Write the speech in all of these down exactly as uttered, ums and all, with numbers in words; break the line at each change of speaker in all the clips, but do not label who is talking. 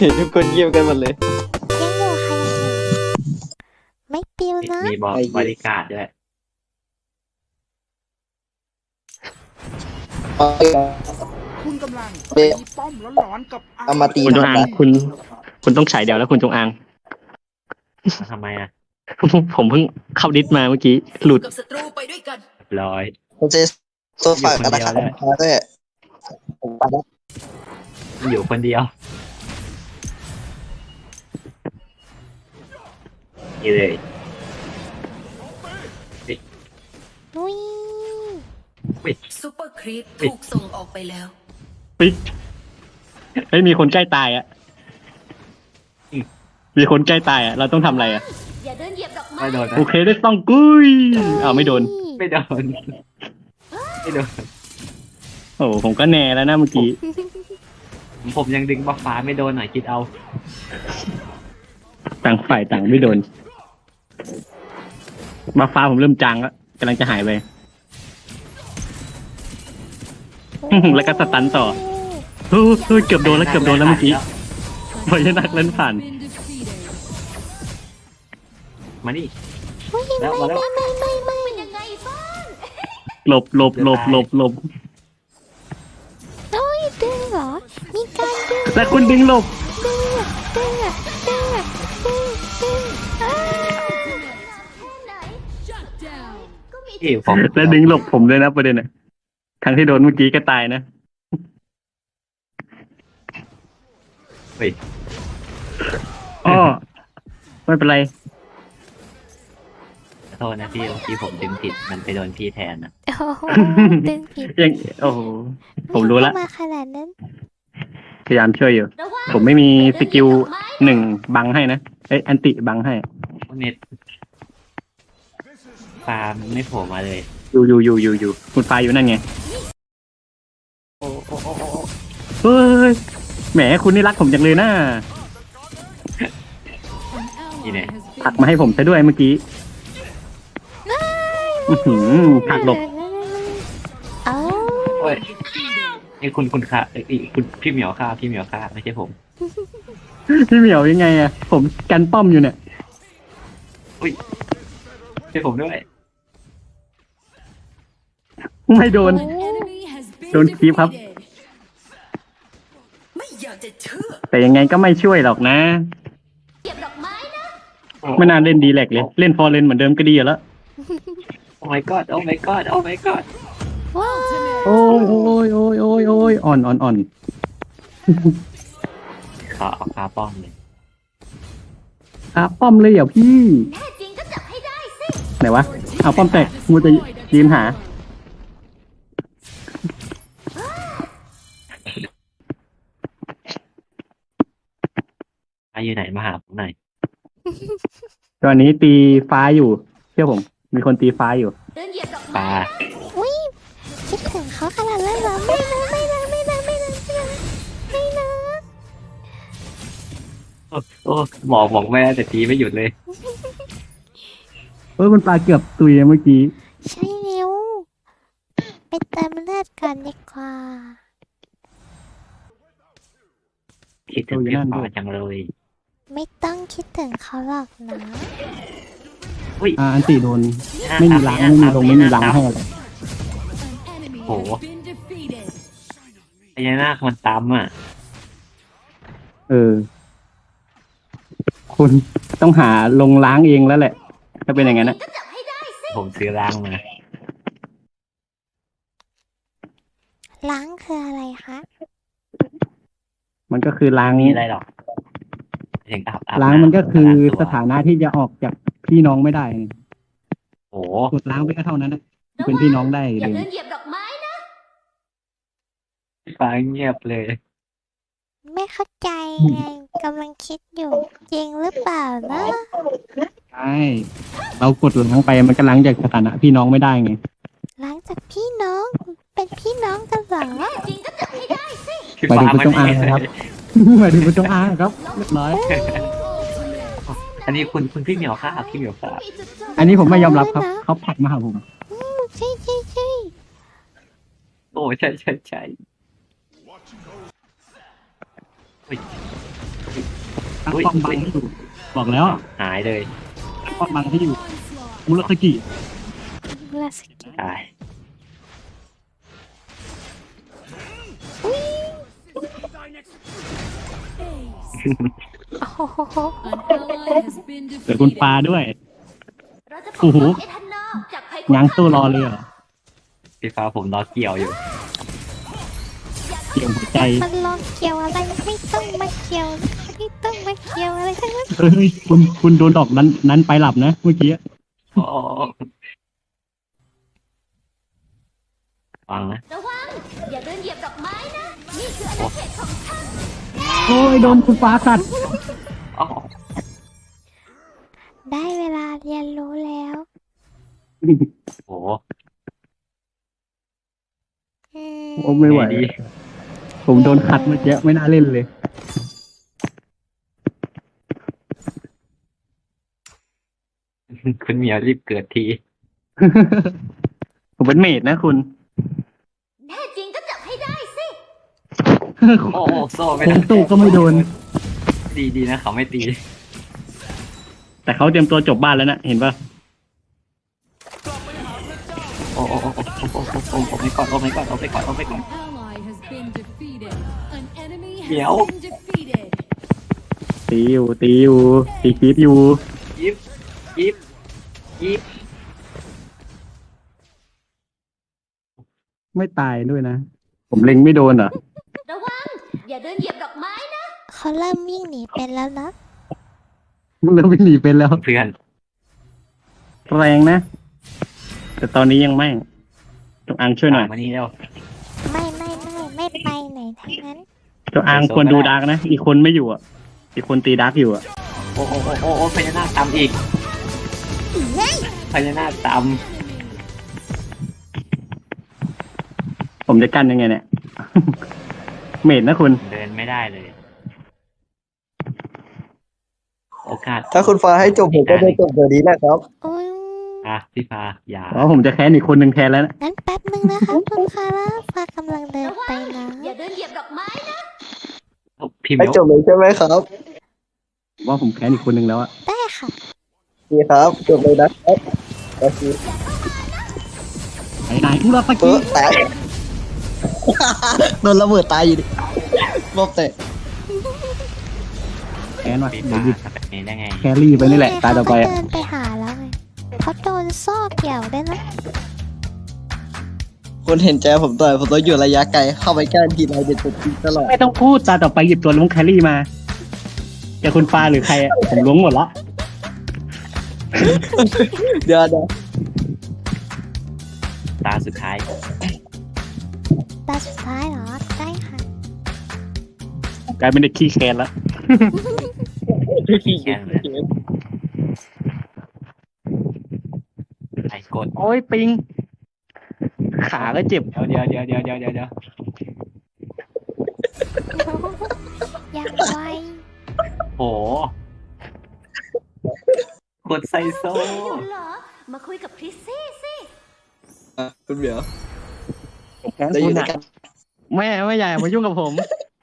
ทุกคนเยี่ยมกันหมดเลย
ยังอยู่ค่ะยังอยู่ไม่ปิวนะ
มีบอกบริการด้วย
คุณกำลังตีป้อมร้อนๆกับ
เอามาตี
คุณจงอางคุณ คุณต้องฉายเดียวแล้วคุณจงอาง
ทำไมอ่ะ
ผมเพิ่งเข้าดิสมาเมื่อกี้หลุด
กับศัตรูไปด้วยกัน
ร้อย
ผมจะโซฟากันนะครับมาด้วยผมไปแล้ว
อยู่คนเดียวนี่เลย
นุ้ย
ซูเปอร์ครีปถูกส่งออกไปแล้ว
ปิ๊กเฮ้ยมีคนใกล้ตายอ่ะมีคนใกล้ตายอ่ะเราต้องทำอะไรอ่ะ
อย่าเดินเหยียบดอกไม้
ไม่โดนนะ
โอเคได้ต้องกุ้ยอ้าวไม่โดน
ไม่โดนไม่โดน
โอ้ผมก็แน่แล้วนะเมื่อกี้
ผมยังดึงบัฟฟ้าไม่โดนหน่อยคิดเอา
ต่างฝ่ายต่างไม่โดนมาฟ้าผมเริ่มจางแล้วกำลังจะหายไป แล้วก็สตันต่อเฮ้ยเฮ้ยเกือบโดนแล้วเกือบโดนแล้วเมื่อกี้พยานักเล่นผ่าน
มานี่
นุ้ย
แล้ว
ไม่
มาแล้ว
ไม่ไม่ไม่
เป็น
ไม่
ยังไงบ้าง
หลบหลบหลบหลบหลบ
นุ้ยดึงเหรอมีการดึง
แต่คุณดึงหลบ
ดึงอะดึงอะดึงอะดึงดึงอ้าว
เอ๋ผม
และดึงหลบผมเลยนะประเด็นอ่ะทั้งที่โดนเมื่อกี้ก็ตายนะ
เฮ้ย
อ้อไม่เป็นไร
ขอโทษนะพี่เมื่อกี้ผมดึงผิดมันไปโดนพี่แทนนะ
โอ้โหดึงผิด
ยังโอ้โหผมรู้ละ
ไเข้ามาขนาดนั้น
พยายามช่วยอยู่
ระวัง
ผมไม่มีสกิลหนึ่งบังให้นะเอ้ยอันติบังให้
เน็ตฟาร์มไม่โผล่มาเลย
อยู่อยู่อยู่อยู่อยู่คุณฟ้าอยู่นั่นไง
โอ้โอ้โอ้โอ้
เฮ้ยแหมคุณนี่รักผมจังเลยนะ
นี่เนี่ย
ผลักมาให้ผมซะด้วยเมื่อกี้อื้อหือผลักหลบ
เอ้า
โอ้ยไอ้คุณคุณค่าไอ้คุณพี่เหมียวค่าพี่เหมียวค่าไม่ใช่ผม
พี่เหมียวยังไงอะผมกันป้อมอยู่เนี่ย
ใช่ผมด้วย
ไม่โดน โดนคีบครับ
ไม่อยากจะเชื่อ
แต่ยังไงก็ไม่ช่วยหรอกนะ
เหยียบดอกไม้นะ
ไม่น่าเล่นดีแลกเลย เล่นฟอร์เรนเหมือนเดิมก็ดีอยู่แล้ว
โอ้ my god โอ้ my god โอ้ my god
ว้าว
โอ้ยโอ้ยโอ้ยโอ้ยโอ้ยอ่อนอ่อนอ่อน
ขอเอาคาป้อมเลย
อ่ะป้อมเลยเหรอพี่
แน่จริงก็จับให้ได้สิ
ไหนวะเอาป้อมแตกมูจะยืนหา
อาอยู่ไหนมาหาผมหน่อย
ตอนนี้ตีฟ้าอยู่เชื่อผม มีคนตีฟ้าอยู่
เดินเหยียบดอก
ป
ไม้
ลา
อุ้ยคิดถึงเขาขนาดนั้นเหรอไม่นะไม่นะไม่นะไม่นะไม่นะไม่นะ
โอ้โอ้บอกบอกแม่แต่ตีไม่หยุดเลย
เออคุณปลาเกือบตุยเมื่อกี้
ใช่เร็วไปเติมเลือดก่อนดีกว่า
คิดถึงพี่ฟ้าจังเลย
ไม่ต้องคิดถึงเขาหรอกนะ
อุ้ย
อ่าอันติโดน ไม่มีล้างไม่มีลงไม่มีล้างให้อะไร
โอ้โหไอ้ยานาคมันตามอ่ะ
เออ คุณต้องหาลงล้างเองแล้วแหละ ถ้าเป็นอย่างนั้นนะ
ก็จับให้ได้สิ
ผมซื้อล้างมา
ล้างคืออะไรคะ
มันก็คือล้าง
มีอะไรหรอกถึงอาบอาบ
ล้างมันก็คือ
ล้งตัว
สถานะที่จะออกจากพี่น้องไม่ได้
โอ้
กดล้างไปก็เท่านั้นนะเป็นพี่น้องได้
อย่า
เลย
เดินเหยียบดอกไม้นะ
ฟ้าเงียบเลย
ไม่เข้าใจไงกำลังคิดอยู่จริงหรือเปล่านะ
ใช่ เรากดล้างไปมันก็ล้างจากสถานะพี่น้องไม่ได้ไง
ล้างจากพี่น้อง เป็นพี่น้องกันเหรอ
แน่จริงก็จับให้ได้สิ
พี่
หมาย
ฟ้า
ถึงคุณ
ไม่
จงอาง
มี
นะครับ หมายถึงคุณจงอางครับเรียบร้อย
อันนี้คุณคุณพี่เหมียวค่าพี่เหมียวค่า
มีจุดจบ
อันนี้ผมไม่ยอมรับครับ เขาผลักมาหาผม
อืมใช่ใช่ใช่
โอ้ใช่ใช่ใช่ โ
ตั้งป้อมบังให้อยู่บอกแล้ว
หายเลย
ตั้งป้อมบังให้อยู่มุรคกิ
ลาสกิ
ตาย
โอ้โห
เกิดคุณปลาด้วย
เราจะป
โอ้
ก
โห
ป้องเอทันนาจากภัยคุก
ง้าง
คาม
ตู้รอเลยเหรอ
พี่ฟ้าผมรอเกี่ยวอยู่
เกี่ยวหัวใจ
มันลองเกี่ยวอะไรไม่ต้องมาเกี่ยวไม่ต้องมาเกี่ยวอะไรทั้งนั้น
เฮ้ยคุณคุณโดนดอกนั้นนั้นไปหลับนะเมื่อกี้
โอ้ฟังนะ
ระวัง อย่าเดินเหยียบดอกไม้นะ นี่คืออาณาเขตของฉัน
โอ้ยโดนคุณปลากัด
อ๋อ
ได้เวลาเรียนรู้แล้ว
โอ้
อืม
โอ้ไม่ไหว
ดี
ผมโดนขัดเมื่อกี้ไม่น่าเล่นเลย
คุณเหมียวรีบเกิดที
ผมเป็นเมดนะคุณ
แน่จริงก็จับให้ได้สิ
โอ้โซ่ไม่
ผ
ได้
มตู้ก็ไม่โดน
ดีดีนะเขาไม่ตี
แต่เขาเตรียมตัวจบบ้านแล้วนะเห็นปะ
โอ้โอ้โอ้โอ้โอ้โอ้โอ้โอ้ไม่ก่อนโอ้ไม่ก่อนโอ้ไม่ก่อนโอ้ไม่ก่อน เหมียว
ตีอยู่ตีอยู่ตีคลิปอยู่
ยิบยิบยิบ
ไม่ตายด้วยนะ ผมเล็งไม่โดนเหรอ
ระวัง อย่าเดินเหยียบดอกไม้นะ
เขาเริ่มวิ่งหนีเป็นแล้วนะ
มึงเริ่มวิ่งหนีเป็นแล้ว
เพื่อน
แรงนะ แต่ตอนนี้ยังไม่จงอางช่วยหน่อย
มานี่เร็ว
ไม่ไม่ไม่ไม่ไปไหนทั้งนั้น
จงอางควรดูดาร์กนะ อีกคนไม่อยู่อ่ะ อีกคนตีดาร์กอยู่อ่ะ
โอ้โอ้โอ้โอ้โอ้พญานาคตามอีกพญานาคตาม
ผมจะกั้นยังไงเนี่ย เมดนะคุณ
เดินไม่ได้เลย โอกาส
ถ้าคุณฟ้าให้จบผมก็จะจบเดี๋ยวนี้แหละครับ
อุ้ย
อ่ะพี่ฟ้าอย่า
อ๋อผมจะแค้นอีกคนหนึ่งแทนแล้วนะ
งั้นแป๊บนึงนะคะคุณคาร่าฟ้ากำลังเดิน
ระวั
ไป
ง
นะ
อย่าเดินเหยียบดอกไม้นะ
พี่เห
ให้
มียว
จบเลยใช่ไหมครับ
ว่าผมแค้นอีกคนหนึ่งแล้วอะ
ได้ค่ะ
ดีครับจบเลยนะครับโอเค
ไหนไหนอุราฟา
เอ
กิ
อแตก โดนระเบิดตายอยู่ดิรอบเตะ
แค้นว่ะ
พี่
เดี๋
ฟ้า
ยวหยิบ
ทำแบบนี้ได้ไง
แครี่ไปนี่แหละตาต่อไป
เขา
อะ
ก็เดินไปหาแล้วไงเขาโดนซอกเกี่ยวได้วยนะ
คุณเห็นใจผมต่อยผมต้องอยู่ระยะไกลเข้าไปใกล้ทีไรเด็ดติดตลอด
ไม่ต้องพูดตาต่อไปหยิบตัวล้วงแครี่มาจะคุณฟ้าหรือใครอะผมล้วงหมดละ
เดี๋ยวเดี๋ยว
ตาสุดท้าย
ตาสุดท้ายเหรอ ได้ค่ะ
กลายเป็นเด็กขี้แค้นแล้ว
แค่นั้นไอ้กด
โอ้ยปิง ขาก็เจ็บ
เดี๋ยวเดี๋ยวเดี๋ยวเดี๋ยวเดี๋ยวเดี๋ยว
ยังไว
โหกดไซโซ
อยู่เหรอ มาคุยกับคริสซี่สิ
อ่ะคุณเหมียว
แค้น
ได้อ
คุ
ยู่
ณ
ด้วย
อะ
กัน
แม่ไม่ใหญ่มายุ่งกับผม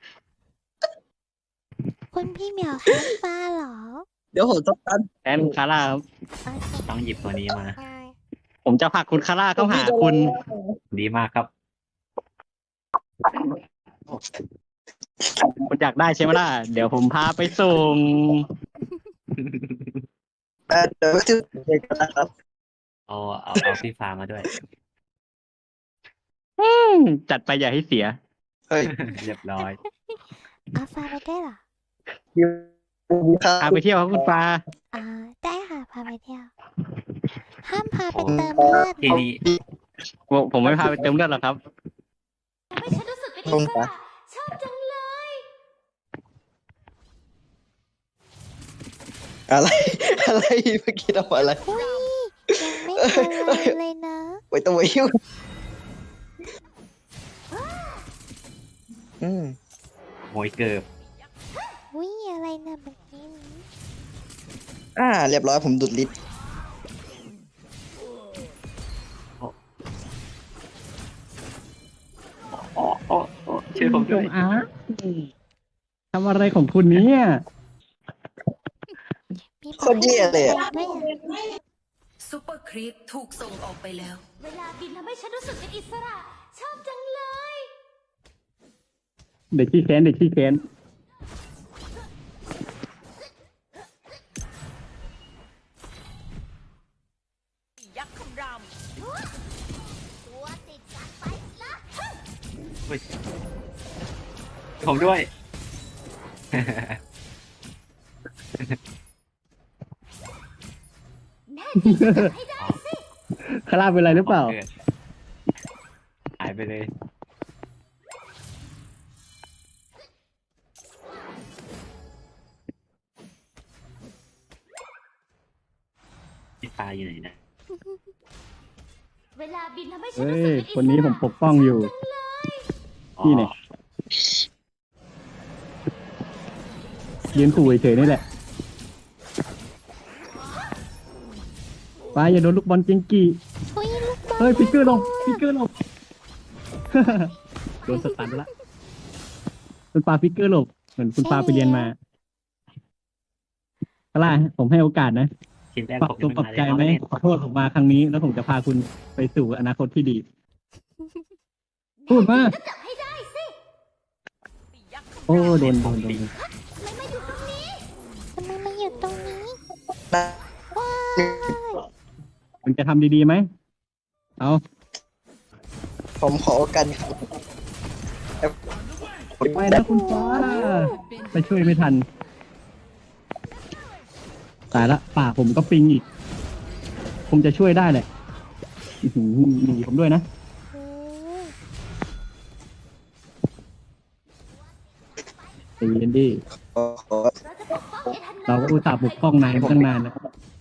คุณพี่เหมียวแค้นฟ้าเหรอ
เดี๋ยวผมต้องตัน
แค้นคาร่าครับ
โอเค
ต้องหยิบตัวนี้มา
ได้
ผมจะผลักคุณคาร่าเข้าหาคุณ
ดีมากครับ
คุณอยากได้ใช่ไหมล่ะ เดี๋ยวผมพาไปส่ง
อ่ะเดี๋ยวจะเด็กกันนะครับ
เอาเอาเอาพี่ฟ้ามาด้วย
อืมจัดไปอย่าให้เสีย
เฮ้ย
เรียบร้อย
เอาฟ้าไปได้วยเหรอ
คิวมีค่า
พาไปเที่ยวครับคุณปลา
อ่า ได้ค่ะพาไปเที่ยว ห้ามพาไปเติมเลือด
ทีนี้
ผมผมไม่พาไปเติมเลือดหรอกครับ
ทำให้ฉันรู้สึกเป็นอิสระชอบจังเลย
อะไร อะไรเมื่อกี้ทำอะไร
อุ้ยยังไม่ทันไรเลยนะ
ไว้ต้องไว้ยุ่งอืม
โหยเกิบ
อุ้ยอะไรนะเมื่อกี้นี้
อ่า เรียบร้อยผมดุดลิ์
โอ้โอ้โอ้ช่วยผมด้วย
อาททำอะไรของคุณเนี่ย
มี
โคตรเยี่ยเลยอะ
ด้วยอะ
ซูเปอร์ครีปถูกส่งออกไปแล้ว
เวลาบินทำให้ฉันรู้สึกเป็นอิสระ ชอบจังเลย
เด็กขี้แค้นเด็กขี้แค้น
ยักษ์คำราม
ตัวติดกันไปละ
เฮ้ยผมด้วย
แน่จริงจับให้ได้สิ
คาราเป็นไรหรือเปล่า
กิดหายไปเลยพี่ปลาอยู่ไหนนะ
เวลาบินทำให้ฉัน
เฮ้
รู้สึก
ย
เป็นอิสระ
คนนี้ผมปกป้องอยู่
อ๋อ
นี่เนี่ยยืนขู่เฉยๆนี่แหละป้าอย่าโดนลูกบอลเจงกี้
อุ๊ยลูกบอล
เฮ้ยฟิกเกอร์ลงฟิกเกอร์ลง โดนสตันละคุณปาฟิกเกอร์หลบเหมือนคุณปาไปเรียนมาคาร่าผมให้โอกาสนะ
ชิ้นแรก
ปรับ
ผม
ตัวปรับใจไหมขอโทษผมมาครั้งนี้ แล้วผมจะพาคุณไปสู่อนาคตที่ดี พูดมา
ก็จับให้ได้สิ
โอ้โดนโดนโดน
ทำไมมาอยู่ตรงนี้ทำไมมาอยู่ตรงนี้
นะ
ว้าย
คุณจะทำดีๆไหมเอา
ผมขอโอกาส
ไม่นะคุณฟ้าไปช่วยไม่ทันตายละป่าผมก็ปิงอีก ผมจะช่วยได้แหละอื้อหือหนีผมด้วยนะ
โอ้
ใจเย็นดิ
ขอขอ
เราจะปกป้องเอทัน
เราก็อุตส่าห์ปกป้องนายมาตั้งนานแล้ว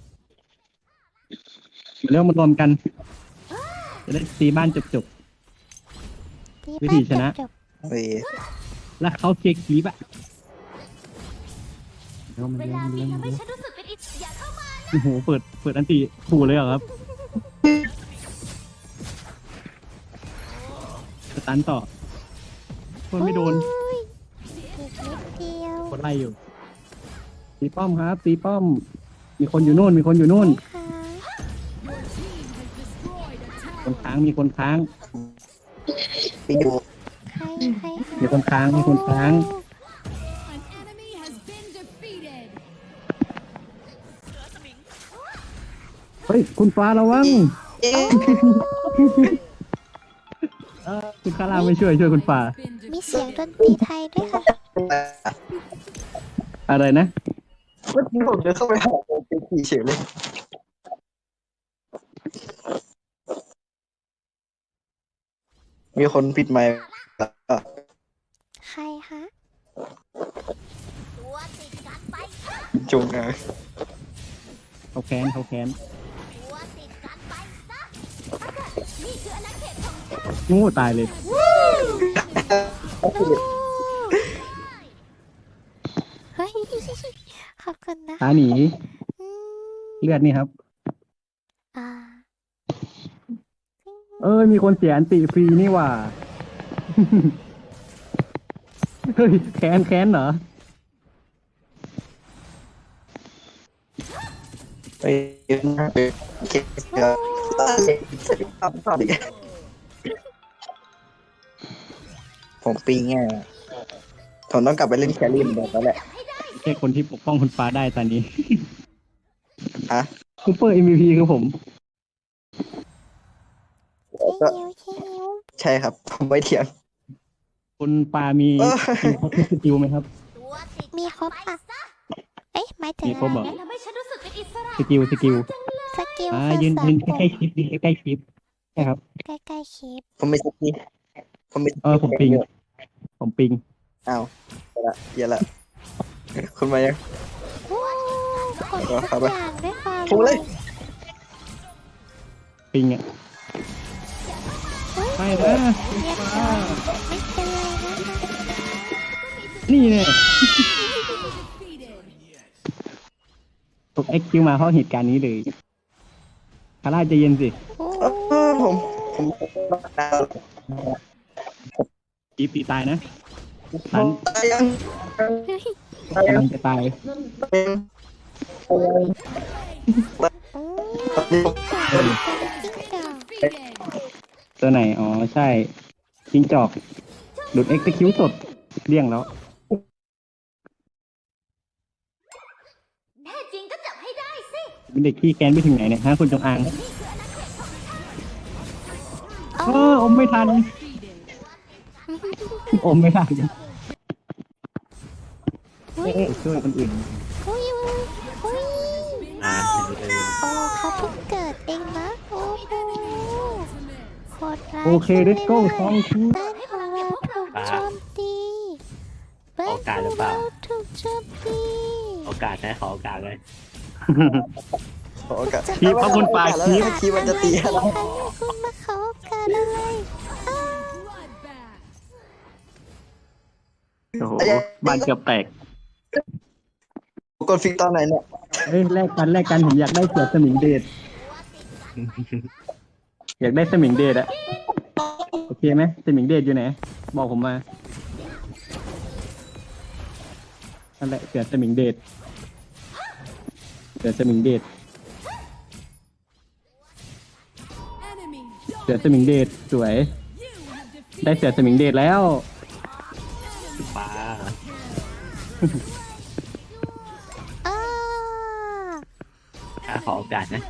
เรื่องมารวมกัน จะได้ตีบ้านจบ วิธีชนะ
จบ
เฮ้ย
ๆ แล้วเขาเช็คคลิปอะเร็ว
ๆ
มา
เว
เร็ว
ลา
มา
บิ
เร็
น
ว
ทำ
มา
ให้
เร็ว
ฉันรู้สึกเป็นอิสระอย่าเข้ามา
โอ้โหเปิดเปิดอันติขู่เลยเหรอครับสตันต่อคนไม่โดน
โอ้ยอีกนิดเดียว
คนไล่อยู่ ตีป้อมครับ ตีป้อม มีคนอยู่นู่น มีคนอยู่นู่น
ค่ะ
คนค้าง มีคนค้าง
ไปอยู่
ใครใคร
มีคนค้าง มีคนค้าง เฮ้ย คุณฟ้าระวัง
เอ๊ะ
เออคุณคาราไม่ช่วย ช่วยคุณฟ้า
มีเสียงดนตรีไทยด้วยค่ะ
อะไรนะ
เมื่อกี้ผมเดินเข้าไปหาเป็นขี่เฉยเลยมีคนปิดไมค์อ่ะ
ใครคะตัวติดกันไป
จุงนะ
เขาแค้นเขาแค้น
ตัวติดกันไปซะนี่คืออาณาเขตของฉัน
งูตายเลย
เฮ้ยขอบคุณนะ
ตาหนี
อืม
เลือดนี่ครับ
อ่า
เอ้ย มีคนเสียอันติฟรีนี่หว่า เฮ้ย แค้นแค้นเหรอ
ไปยืนนะไปเก็บเสื้อทำต่อดิผมปีงไงผมต้องกลับไปเล่นแครี่เหมือนเดิมแล้วแหละ
แค่คนที่ปกป้องคุณฟ้าได้ตอนนี้
ฮะ
ซูเปอร์ เอ็ม วี พี คือผม
ใช่
ก็
หิวใช่หิว
ใช่ครับ ผมไม่เถียง
คุณปามี
เออ
มีครบทุกสกิลไหมครับ
มีครบอ่ะเอ๊ะหมายถึง
มีครบเหรอ
อะไรนะทำให้ฉันรู้สึกเป็นอิสระ
สกิล สกิล
สกิล
อ่า
คือ
ยืน
สาม
ยืน
ปุ่ม
ใกล้ๆคลิปยืนใกล้ๆคลิป ใช่ครับ
ใกล้ๆคลิป
ผมไม่สกิผมไม่
เออ ผมปิง ผมปิง
อ้าวเดี๋ยวละเดี๋ยวละคุณมายัง
โอ้กด
เดี๋ยว
ทุ
เข้าก ไป
อย่างด้วยความ
โอ้เลย
ปิงอ่ะ
เฮ้ย
ไม่นะ
เรียบร้อยไม่เป็นไรนะคะ
นี่เนี่ยตกเอ็กคิวมาเพราะเหตุการณ์นี้เลยคาร่าใจเย็นสิ
โอ้
เออผมผม
กีบตีตายนะตัน
ตายยัง
เฮ้ย
ตายยั
กำ
ง
ลังจะตาย
เป็น
อืมจิ้งจอก
ตัวไหนอ๋อใช่จิงจอกหลุดเอ็กซ์คิวสดเลี่ยงแล้ว
แน่จริงก็จับให้ได้สิ
เป็นเด็กขี้แกนไปถึงไหนเนี่ยฮะคุณจงอางเอออมไม่ทันอมไม่ทัน
เฮ้ย
ช่วยคนอื่น
เฮ้ยเฮ้ย
อ่า
โอ้เขาเพิ่งเกิดเองนะโอ้โหโคตรร้าย
โอเคเลตโก้สองที
บ้านของเราถูกโจมตีบ้านของเราถูกโจมตี
โอกาสนะขอโอกาสเลย
ขอโอกาส
คีบพระคุณปลาคีบ
คีบมันจะตีเรา
คุณมาขอโอกาสอะไรอ้าว
โอ้โหบ้านเกือบแตก
กดฟิกตอนไหนเนี่ย
เอ้ยแลกกันแลกกันผมอยากได้เสือสมิงเดชอยากได้สมิงเดชอะโอเคไหมสมิงเดชอยู่ไหนบอกผมมานั่นแหละเสือสมิงเดชเสือสมิงเดชเสือสมิงเดชสวย ได้เสือสมิงเดชแล้ว
ป้า
อ้า
ถ้าขอโอกาสนะ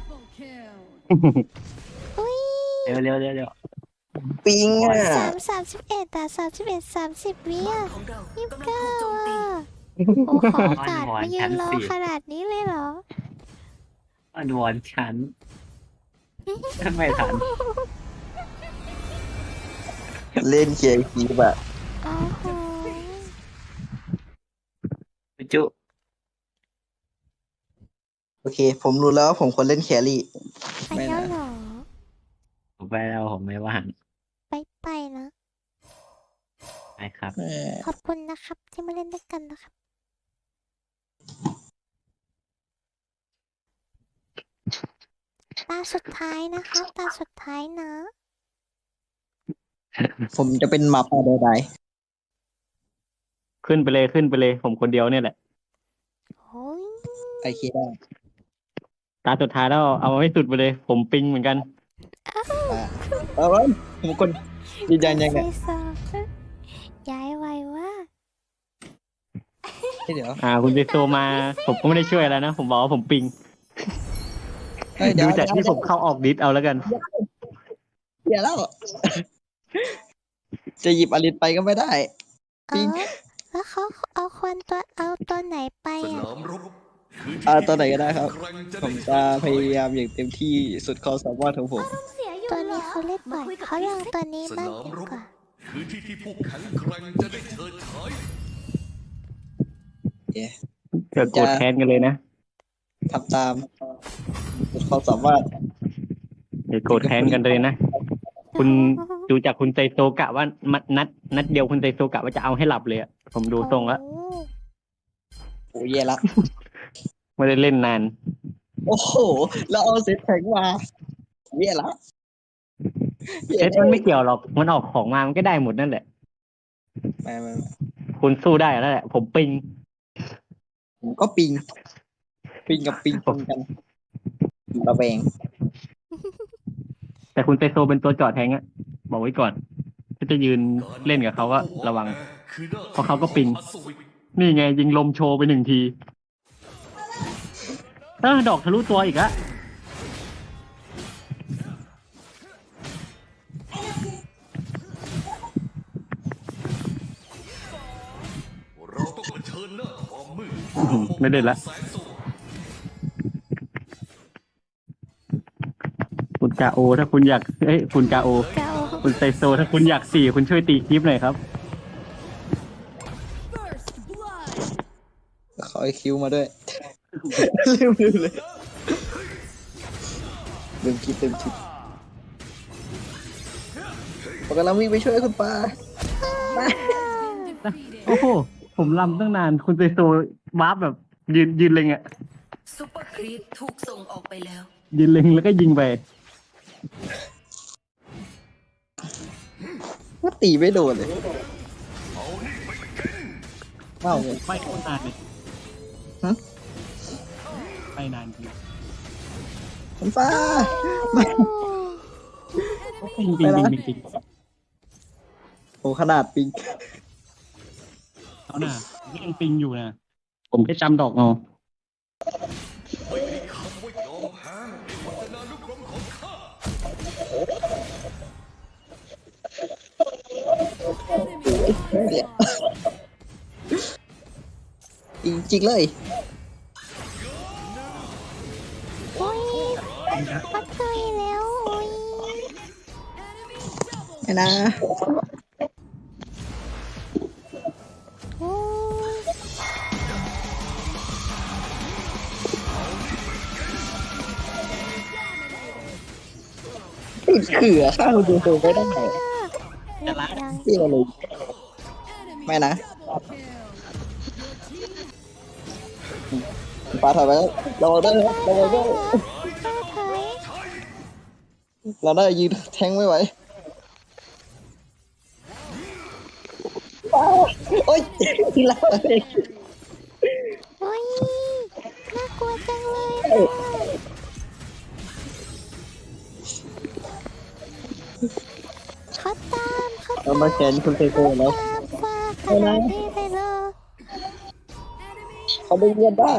อุ้ย
เร็วเร็วเร็วเร็ว
ปิงอ่ะ
สามสามสิบเอ็ดแต่สามสิบเอ็ดสามสิบวิอ่ะ
ของเรา
ยี่สิบ
กำลัง
เก้า
ถูกโจมตี
อ่ะโอ้ขอโอกาสมายืนรอขนาดนี้เลยเหรอ
อ้อนวอนฉันไม่ทัน
เล่นเคียร์คีบอะ
โอ้โห
จุ
โอเค ผมรู้แล้วว่าผมควรเล่นแครี่
ไปแล้วเหรอ
ผมไปแล้วผมไม่ว่าง
ไปไปนะ
ไปครับ
เออ
ขอบคุณนะครับที่มาเล่นด้วยกันนะครับ ตาสุดท้ายนะคะตาสุดท้ายนะ
ผมจะเป็นหมาป่าใด
ขึ้นไปเลยขึ้นไปเลย ผมคนเดียวเนี่ยแหละ
โอ้ย
ๆไอเคได้
ตาสุดท้ายแล้วเอาให้สุดไปเลย ผมปิงเหมือนกัน
อ่าเอาไว้ผมคนยืนยันยังไง
ใส่ซองย้ายไวว่า
เดี๋ยว
อ่า คุณเจโซมา ผมก็ไม่ได้ช่วยแล้วนะ ผมบอกว่าผมปิง
เฮ้ยเดี๋ย
ดู
ว
จากที่ผมเข้าออกดิสเอาแล้วกัน
เดี๋ยวแล้ว จะหยิบอลิสไปก็ไม่ได้
เอ
ปิง
อแล้วเขาเอาควันตัวเอาตัวไหนไปอ่ะ
อ่าตัวไหนก็ได้ครับ ผมจะพยายามอย่างเต็มที่สุดความสามารถของผม
ตัวนี้เขาเล่นบ่อยเขาลองตัวนี้บ้างดีกว่า
คือที่ที่ผู้แข็งแกร่งจะได้เฉิดฉาย
เกิดโกรธแค้นกันเลยนะ
ทำตามสุดความสามารถ
เดี๋ยวโกรธแค้นกันเลยนะ คุณดูจากคุณไซโซกะว่ามัดนัด นัดเดียวคุณไซโซกะว่าจะเอาให้หลับเลยอะผมดูทรงแล้ว
โอ้
โอ้ยแย่ละ
ไม่ได้เล่นนาน
โอ้โห แล้วเอาเซตแข็งมาแย่ละ
เซตมันไม่เกี่ยวหรอก มันออกของมามันก็ได้หมดนั่นแหละ
ไม่ไม่ไม่
คุณสู้ได้แล้วแหละ ผมปิง
ผมก็ปิง ปิงกับปิงตรงกันระแวง
แต่คุณไซโซเป็นตัวจอดแทงอะบอกไว้ก่อน ถ้าจะยืนเล่นกับเขาก็ระวัง เพราะเขาก็ปิง นี่ไงยิงลมโชว์ไปหนึ่งที เออดอกทะลุตัวอีกอะ
เราต้องเผชิญหน้าความมืด
ไม่ได้ละ
แสงสว่าง
คุณกาโอ ถ้าคุณอยากเอ้ยคุณกาโอ
เก่า
คุณไซโซ ถ้าคุณอยากสี่คุณช่วยตีคลิปหน่อยครับ
เขาไอคิวมาด้วย ลืมลืมเลยลืมคิดลืมคิดผมกำลังวิ่งไปช่วยคุณปา
โอ้โห ผมลำตั้งนาน คุณไซโซวาร์ปแบบยืนยืนเล็งอะ
ซุปเปอร์ครีปถูกส่งออกไปแล้ว
ยืนเล็งแล้วก็ยิงไป
ว่าตีไม่โดนเลยอ้าว
ไม่โคตรนานเลย
ฮะ
ไปนานจริง
คุณฟ้า
ปิงปิงปิงปิงปิง
โหขนาดปิง
เอาหน่านี่ยังปิงอยู่นะผมแค่จำดอกเอา
ไม่มีคำว่ายอมแพ้ในวัฒนานุกรมของข้า
จริงจริงๆเลย
โอ้ยปัดเตยแล้วโอ้ย
ไม่นะ
โอ้ย
ติดเขื่อข้าวดูดูไม่ได้
จะรักยัง
ที่อะไรเลยไม่นะปลาถอยไปแล้วเราได้เราได้
ป้าถอย
เราได้ยืนแทงไม่ไหวโอ๊ยทีละ
โอ้ยน่ากลัวจังเลยเขาตามเขา
เรามาแขนคุณเซโกแล้ว
ตามฟ้าขนาดนี้เลยเหรอ
เขาได้เลือดได้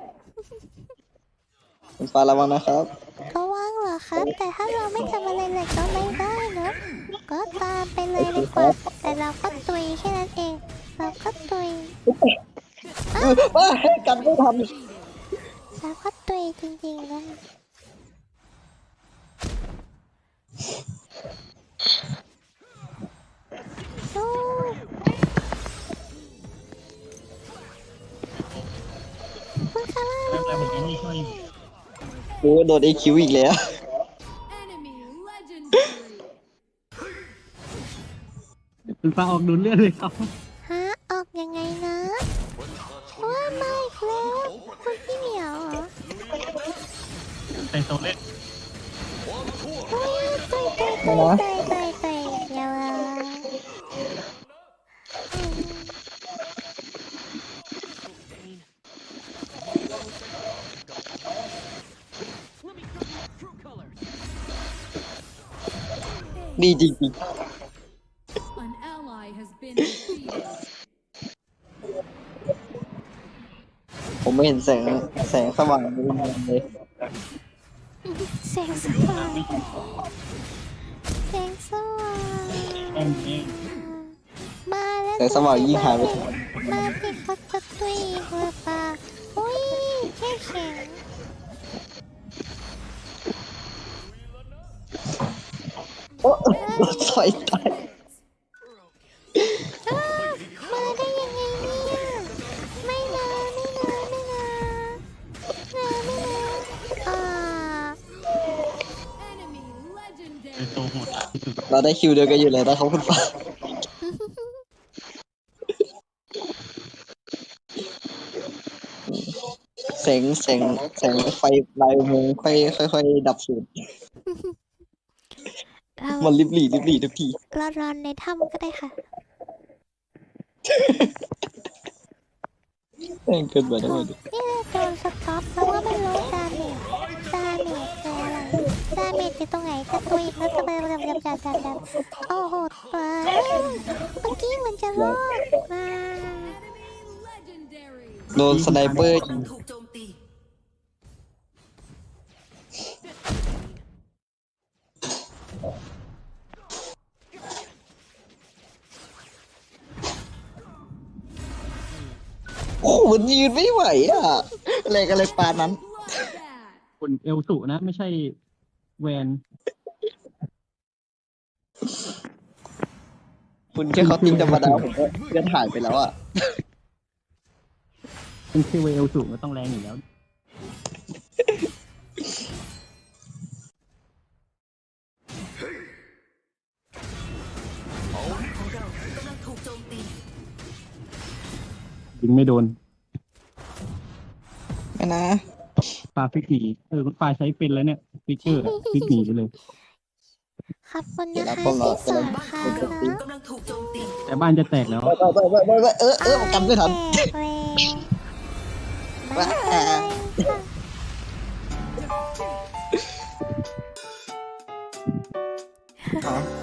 คุณฟ้าระวังนะครับ
ระวังเหรอครับ แต่ถ้าเราไม่ทำอะไรเลยก็ไม่ได้นะก็ตามไปเลยดีกว่าแต่เราก็ตุยแค่นั้นเอง เราก็ตุย
ว้ากันไม่ทัน
เราก็ตุยจริงๆนะโอ้คุณคาร่า
แล้วแล้วผมยังไม่ช่วย
โอ้โดนไอคิวอีกแล้ว
คุณฟ้าออกดูเลือดเลยครับ
ฮะออกยังไงนะว่ามาอีกแล้วคุณพี่เหมียวเหรอ
ใส่โซเล่น
เฮ้ยตุยตุยตุยตุยตุยตุยเดี๋ยวอ่ะอืม
ดีจริง
An ally has been defeated.
ๆผมไม่เห็นแสงแสงสว่างเลยเลย
เสียงสว่างเสียงสว่าง
แองเอง
มาแล้ว
แสงสว่างยิ่งหายไป
มาที่เขาจะตุยอีกหรือเปล่าอุ้ยแค่แข็ง
โอ้ถอยตาย
อ้าวมาได้ยังไงเนี่ยไม่นะไม่นะไม่นะนะไม่นะอ่า
ใส่โซโหดที่สุด
เราได้คิวเดียวกันอยู่เลยนะครับคุณฟ้าแสงแสงแสงไฟลายอุโมงค์ค่อยค่อยๆดับสูญ
เรา
มันริบหรี่ริบหรี่ทุกที
เรารอนในถ้ำก็ได้ค่ะ
แม่งเกินไปแล้วดิ
นี่เลยโดนสต็อปแล้วว่าไม่รู้ดาเมจดาเมจคืออะไรดาเมจอยู่ตรงไหนจะตุยแล้วจะไปจะจะจะจะจะโอ้โหตัวเมื่อกี้มันจะรอดมา
โดนสไนเปอร์ยิง
ถูกโจมตี
โอ้โหมันยืนไม่ไหวอ่ะอะไรกันเลยปานนั้น
คนเอลสุนะ ไม่ใช่แวน
คุณแค่เขาติ้งธรรมดาผมก็เลือดหายไปแล้วอ่ะ
เป็นชื่อเอลสุก็ต้องแรงอยู่แล้ว
ของเรากำลังถูกโจมตี
ยิงไม่โดน
ไม่นะ
ปลาฟิกหนีเออคุณปลาใช้เป็นแล้วเนี่ยฟิกเกอร์อะฟิกหนีไปเลย
ขอบคุณ
เดี๋ยว
นะ
เรา
คะ
พวกเรา
ที่ส
จะ
อน
เล่น
ค่ะ
เป็นปี
เนาะ
กำลังถูกโจมตี
แต่บ้านจะแตกแล้ว
ไปไปไปไปไปเออเออผมกันไม่ทัน
แตกเลยบ๊ายบายค่ะ
อ๋อ